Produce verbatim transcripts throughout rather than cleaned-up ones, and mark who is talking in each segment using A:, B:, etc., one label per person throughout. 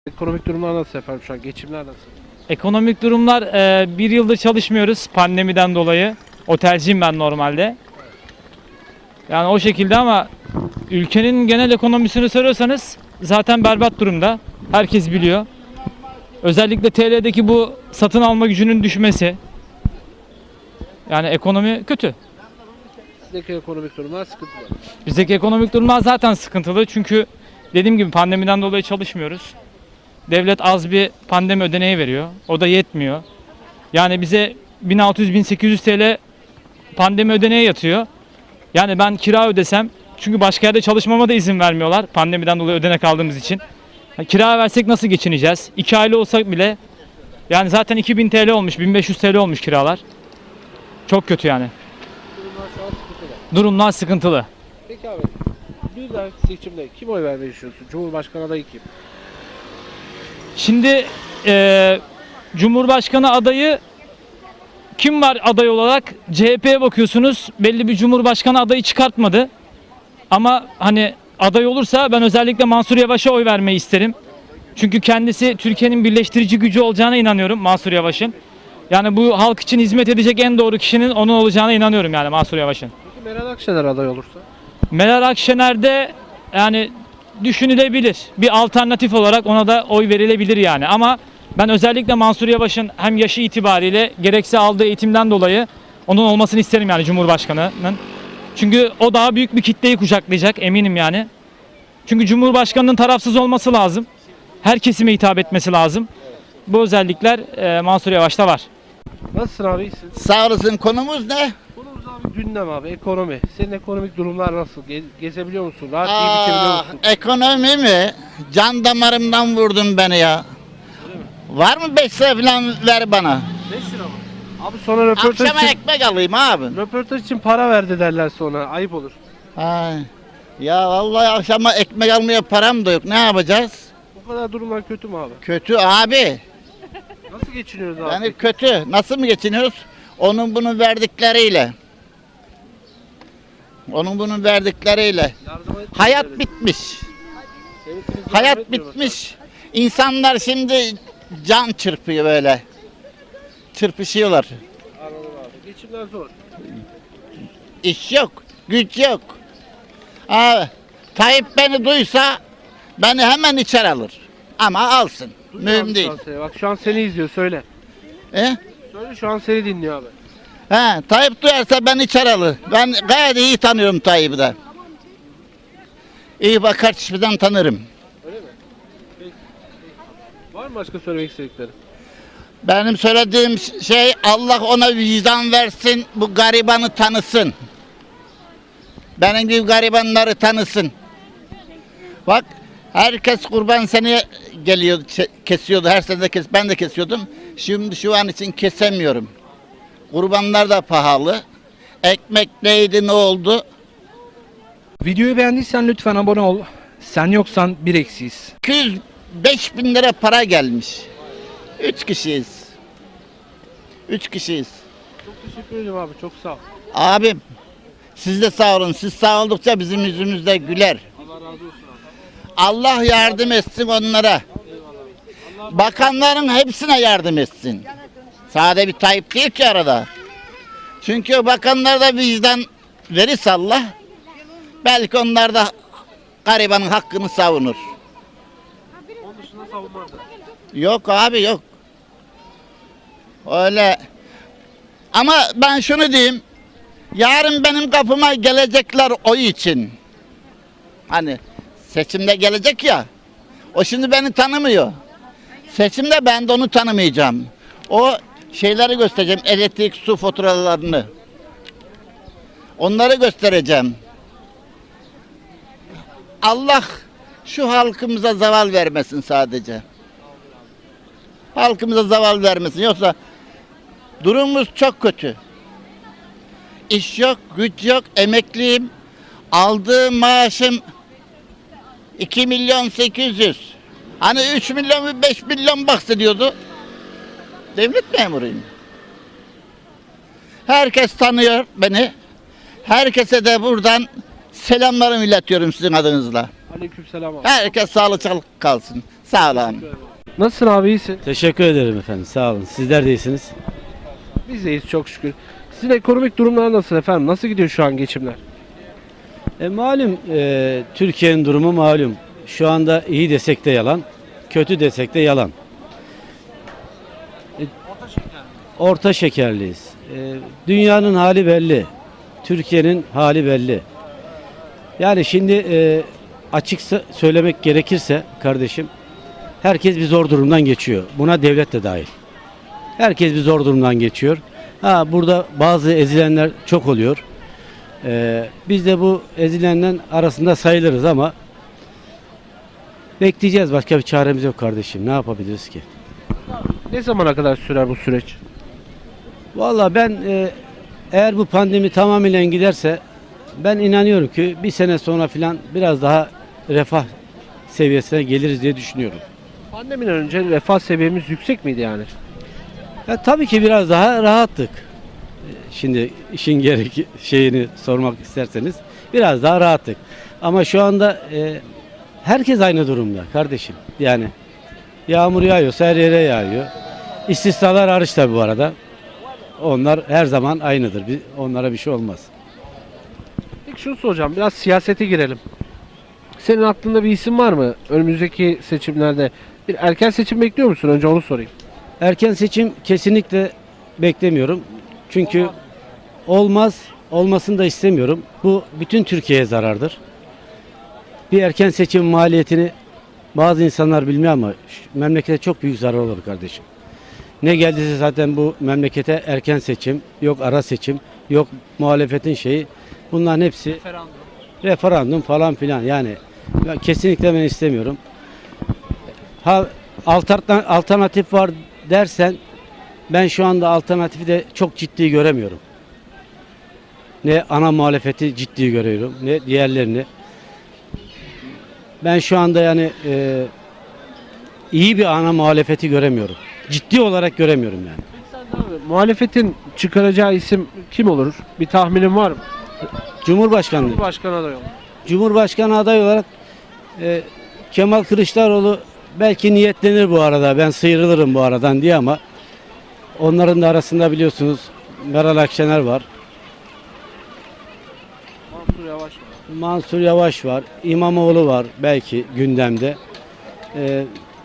A: Ekonomik durumlar nasıl efendim şu an? Geçimler nasıl?
B: Ekonomik durumlar e, bir yıldır çalışmıyoruz pandemiden dolayı. Otelciyim ben normalde. Yani o şekilde ama ülkenin genel ekonomisini soruyorsanız zaten berbat durumda. Herkes biliyor. Özellikle T L'deki bu satın alma gücünün düşmesi. Yani ekonomi kötü.
A: Sizdeki ekonomik durumlar sıkıntılı.
B: Bizdeki ekonomik durumlar zaten sıkıntılı. Çünkü dediğim gibi pandemiden dolayı çalışmıyoruz. Devlet az bir pandemi ödeneği veriyor. O da yetmiyor. Yani bize bin altı yüz bin sekiz yüz T L pandemi ödeneği yatıyor. Yani ben kira ödesem, çünkü başka yerde çalışmama da izin vermiyorlar pandemiden dolayı ödenek aldığımız için. Yani kira versek nasıl geçineceğiz? İki aile olsak bile yani zaten iki bin T L olmuş, bin beş yüz T L olmuş kiralar. Çok kötü yani.
A: Durumlar şu an sıkıntılı.
B: Durumlar sıkıntılı.
A: Peki abi, bir dahaki seçimde kim oy vermeyi düşünüyorsun? Cumhurbaşkanı adayı kim?
B: Şimdi e, Cumhurbaşkanı adayı kim var aday olarak? C H P'ye bakıyorsunuz, belli bir Cumhurbaşkanı adayı çıkartmadı. Ama hani aday olursa ben özellikle Mansur Yavaş'a oy vermeyi isterim. Çünkü kendisi Türkiye'nin birleştirici gücü olacağına inanıyorum Mansur Yavaş'ın. Yani bu halk için hizmet edecek en doğru kişinin onun olacağına inanıyorum yani Mansur Yavaş'ın.
A: Peki Meral Akşener aday olursa?
B: Meral Akşener de yani düşünülebilir. Bir alternatif olarak ona da oy verilebilir yani. Ama ben özellikle Mansur Yavaş'ın hem yaşı itibariyle gerekse aldığı eğitimden dolayı onun olmasını isterim yani Cumhurbaşkanı'nın. Çünkü o daha büyük bir kitleyi kucaklayacak eminim yani. Çünkü Cumhurbaşkanı'nın tarafsız olması lazım. Her kesime hitap etmesi lazım. Bu özellikler e, Mansur Yavaş'ta var.
A: Nasılsın abi, iyisin?
C: Sağ olasın. Konumuz ne?
A: Konumuz abi gündem abi, ekonomi. Senin ekonomik durumlar nasıl? Ge- gezebiliyor musun? Rahat iyi bitebiliyor
C: Aa,
A: musun?
C: ekonomi mi? Can damarımdan vurdun beni ya. Var mı beş lira falan ver bana.
A: beş lira mı? Abi sonra röportaj
C: Akşama
A: için,
C: ekmek alayım abi.
A: röportaj için para verdi derler sonra. Ayıp olur.
C: Ay. Ya vallahi akşama ekmek almaya param da yok. Ne yapacağız?
A: Bu kadar durumlar kötü mü abi?
C: Kötü abi.
A: Nasıl geçiniyoruz abi?
C: Yani kötü. Nasıl mı geçiniyoruz? Onun bunun verdikleriyle. Onun bunun verdikleriyle.
A: Yardıma etmiyor
C: Hayat
A: devlet.
C: bitmiş.
A: Devletimiz yardım
C: Hayat
A: etmiyor mesela.
C: bitmiş. İnsanlar şimdi can çırpıyor böyle. Çırpışıyorlar.
A: Anladım abi. Geçimler zor.
C: İş yok, güç yok. Abi, Tayyip beni duysa beni hemen içeri alır. Ama alsın.
A: Duyuyor abi
C: Mühim
A: şu
C: değil.
A: an seni. Bak şu an seni izliyor, söyle.
C: E?
A: Söyle, şu an seni dinliyor abi.
C: He, Tayyip duyarsa beni içeri alır. Ben gayet iyi tanıyorum Tayyip'i de. İyi bakar çiftiden tanırım.
A: Öyle mi? Peki. Var mı başka söylemek istedikleri?
C: Benim söylediğim şey, Allah ona vicdan versin, bu garibanı tanısın. Benim gibi garibanları tanısın. Bak, herkes kurban seni geliyor, kesiyordu. Her sene de kes, ben de kesiyordum. Şimdi şu an için kesemiyorum. Kurbanlar da pahalı. Ekmek neydi, ne oldu?
D: Videoyu beğendiysen lütfen abone ol. Sen yoksan bir eksiyiz.
C: iki yüz beş bin lira para gelmiş. Üç kişiyiz. Üç kişiyiz.
A: Çok teşekkür ederim abi, çok sağ ol.
C: Abim, siz de sağ olun. Siz sağ oldukça bizim yüzümüz de güler.
A: Allah razı olsun abi.
C: Allah yardım etsin onlara. Bakanların hepsine yardım etsin. Sade bir Tayyip değil ki arada. Çünkü o bakanlar da vicdan verirse Allah, belki onlar da garibanın hakkını savunur.
A: Onun dışında savunmaz da.
C: Yok abi, yok. Öyle. Ama ben şunu diyeyim. Yarın benim kapıma gelecekler oy için. Hani seçimde gelecek ya. O şimdi beni tanımıyor. Seçimde ben de onu tanımayacağım. O şeyleri göstereceğim. Elektrik, su faturalarını. Onları göstereceğim. Allah şu halkımıza zaval vermesin sadece. Halkımıza zaval vermesin. Yoksa durumumuz çok kötü. İş yok, güç yok, emekliyim. Aldığım maaşım iki milyon sekiz yüz. Hani üç milyon ve beş milyon bahsediyordu. Devlet memuruyum. Herkes tanıyor beni. Herkese de buradan selamlarımı iletiyorum sizin adınızla.
A: Aleykümselam abi.
C: Herkes sağlıcakla kalsın. Sağ olun.
A: Nasılsın abi, iyisin?
E: Teşekkür ederim efendim. Sağ olun. Sizler de iyisiniz.
A: Biz de iyiyiz çok şükür. Sizin ekonomik durumlar nasıl efendim? Nasıl gidiyor şu an geçimler?
E: E, malum e, Türkiye'nin durumu malum. Şu anda iyi desek de yalan, kötü desek de yalan. E, orta şekerliyiz. E, dünyanın hali belli. Türkiye'nin hali belli. Yani şimdi e, açıkça söylemek gerekirse kardeşim, herkes bir zor durumdan geçiyor. Buna devlet de dahil. Herkes bir zor durumdan geçiyor. Ha, burada bazı ezilenler çok oluyor. Ee, biz de bu ezilenden arasında sayılırız ama bekleyeceğiz. Başka bir çaremiz yok kardeşim. Ne yapabiliriz ki?
A: Ne zamana kadar sürer bu süreç?
E: Vallahi ben e, eğer bu pandemi tamamen giderse ben inanıyorum ki bir sene sonra filan biraz daha refah seviyesine geliriz diye düşünüyorum.
A: Pandemiden önce refah seviyemiz yüksek miydi yani?
E: Ya, tabii ki biraz daha rahattık. Ee, Şimdi işin gerek şeyini sormak isterseniz biraz daha rahattık. Ama şu anda e, herkes aynı durumda kardeşim. Yani yağmur yağıyorsa her yere yağıyor. İstisnalar hariç tabii bu arada. Onlar her zaman aynıdır. Bir- Onlara bir şey olmaz.
A: Peki şunu soracağım, biraz siyasete girelim. Senin aklında bir isim var mı? Önümüzdeki seçimlerde bir erken seçim bekliyor musun? Önce onu sorayım.
E: Erken seçim kesinlikle beklemiyorum. Çünkü olmaz, olmasını da istemiyorum. Bu bütün Türkiye'ye zarardır. Bir erken seçim maliyetini bazı insanlar bilmiyor ama şu memlekete çok büyük zarar olur kardeşim. Ne geldiyse zaten bu memlekete erken seçim, yok ara seçim, yok muhalefetin şeyi. Bunların hepsi referandum falan filan. Yani ya kesinlikle ben istemiyorum. Ha, alterna- alternatif var dersen ben şu anda alternatifi de çok ciddi göremiyorum. Ne ana muhalefeti ciddi görüyorum ne diğerlerini. Ben şu anda yani e, iyi bir ana muhalefeti göremiyorum. Ciddi olarak göremiyorum yani.
A: Abi, muhalefetin çıkaracağı isim kim olur? Bir tahminin var mı?
E: Cumhurbaşkanlığı.
A: Başkan adayı olur.
E: Cumhurbaşkanı adayı olarak e, Kemal Kılıçdaroğlu belki niyetlenir bu arada. Ben sıyrılırım bu aradan diye ama onların da arasında biliyorsunuz Meral Akşener var.
A: Mansur Yavaş var.
E: Mansur Yavaş var. İmamoğlu var belki gündemde. E,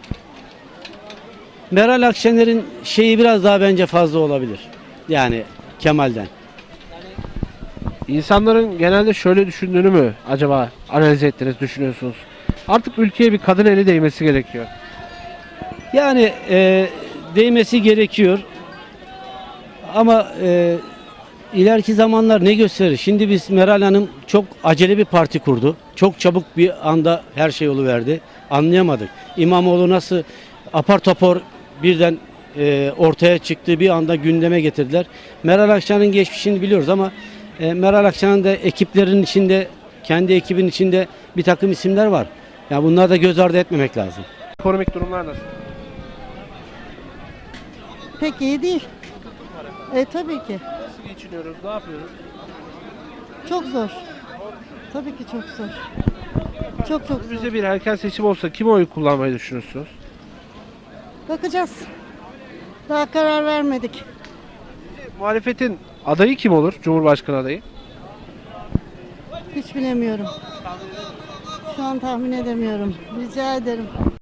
E: Meral Akşener'in şeyi biraz daha bence fazla olabilir. Yani Kemal'den.
A: İnsanların genelde şöyle düşündüğünü mü acaba analiz ettiniz, düşünüyorsunuz? Artık ülkeye bir kadın eli değmesi gerekiyor.
E: Yani e, değmesi gerekiyor. Ama e, ileriki zamanlar ne gösterir? Şimdi biz Meral Hanım çok acele bir parti kurdu. Çok çabuk bir anda her şey oluverdi. Anlayamadık. İmamoğlu nasıl apar topar birden e, ortaya çıktı, bir anda gündeme getirdiler. Meral Akşener'in geçmişini biliyoruz ama e, Meral Akşener'in de ekiplerin içinde, kendi ekibin içinde bir takım isimler var. Ya bunları da göz ardı etmemek lazım.
A: Ekonomik durumlar nasıl?
F: Pek iyi değil. E tabii ki.
A: Nasıl geçiniyoruz, ne yapıyoruz?
F: Çok zor. Tabii ki çok zor. Çok çok zor.
A: Önümüzde bir erken seçim olsa kime oy kullanmayı düşünüyorsunuz?
F: Bakacağız. Daha karar vermedik.
A: Muhalefetin adayı kim olur? Cumhurbaşkanı adayı.
F: Hiç bilemiyorum. Şu an tahmin edemiyorum. Rica ederim.